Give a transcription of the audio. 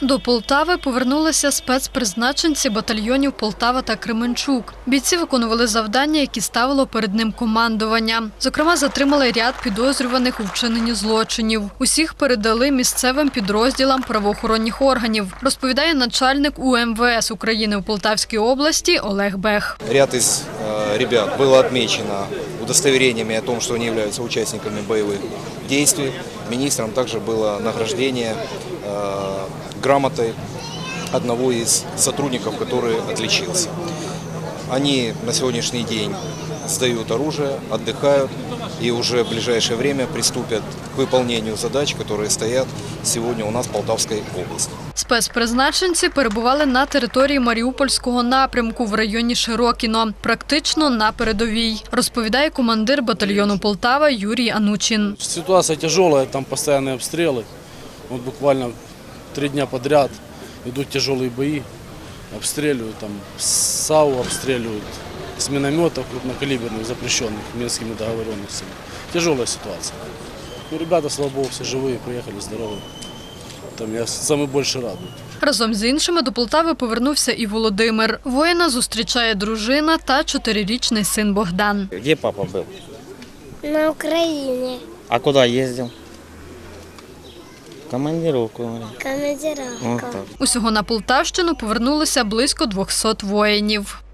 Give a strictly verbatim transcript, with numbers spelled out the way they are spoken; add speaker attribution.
Speaker 1: До Полтави повернулися спецпризначенці батальйонів Полтава та Кременчук. Бійці виконували завдання, які ставило перед ним командування. Зокрема, затримали ряд підозрюваних у вчиненні злочинів. Усіх передали місцевим підрозділам правоохоронних органів, розповідає начальник У Ем Ве Ес України у Полтавській області Олег Бех.
Speaker 2: Ряд из э, ребят было отмечено удостоверениями о том, что они являются участниками боевых действий. Министром также было награждение э, грамотой одного из сотрудников, который отличился. Они на сегодняшний день сдают оружие, отдыхают и уже в ближайшее время приступят к выполнению задач, которые стоят сегодня у нас в Полтавской области.
Speaker 1: Спецпризначенці перебували на території Маріупольського напрямку в районі Широкіно, практично на передовій, розповідає командир батальйону Полтава Юрій Анучин.
Speaker 3: Ситуация тяжелая, там постоянные обстрелы. Вот буквально три дня подряд идут тяжелые бои, обстреливают, там САУ обстреливают, с минометов крупнокалиберных, запрещенных Минскими договоренностями. Тяжелая ситуация. Но ребята, слава богу, все живые, приехали здоровые. Там я саме більше радий.
Speaker 1: Разом з іншими до Полтави повернувся і Володимир. Воїна зустрічає дружина та чотирирічний син Богдан.
Speaker 4: Де папа був?
Speaker 5: На Україні.
Speaker 4: А куди їздив? Командировку.
Speaker 5: Командировка.
Speaker 1: Усього на Полтавщину повернулося близько двохсот воїнів.